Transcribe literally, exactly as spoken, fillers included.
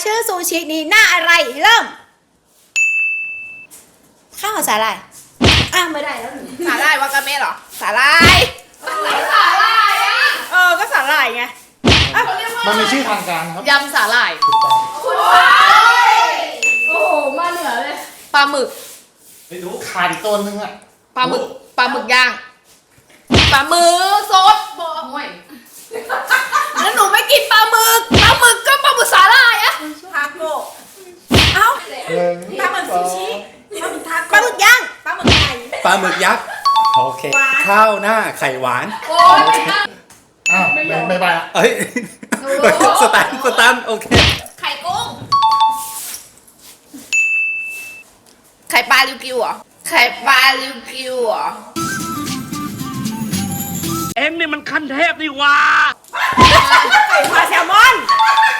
ชื่อซูชินี้หน้าอะไรเริ่มข้าวสาหร่ายอ้าวไม่ได้แล้วหนูสาหร่ายวากาเมะเหรอสาหร่ายสาหร่ายอ่ะเออก็สาหร่ายไงมันมีชื่อทางการครับยำสาหร่ายถูกต้องคุณว้ายโอ้โหมาเหนือเลยปลาหมึกไม่รู้ขาดอีกตัวนึงอ่ะปลาหมึกปลาหมึกย่างปลาหมึกสดบอกห่วยแล้วหนูไม่กินปลาหมึกปลาหมึกก็ปลาหมึกสาหร่ายอะทาโก้เอ้าปลาหมึกซูชิปลาหมึกทาโก้ปลาหมึกย่างปลาหมึกไก่ปลาหมึกยักษ์โอเคข้าวหน้าไข่หวานโอ้ยไม่ได้อ้าวไม่ไม่ไปอ่ะเอ้ยสตันสตันโอเคไข่กุ้งไข่ปลาลิวกิวเหรอไข่ปลาลิวกิวเหรอเอ็งนี่มันขั้นเทพนี่ว่าไข่ปลาแซลมอน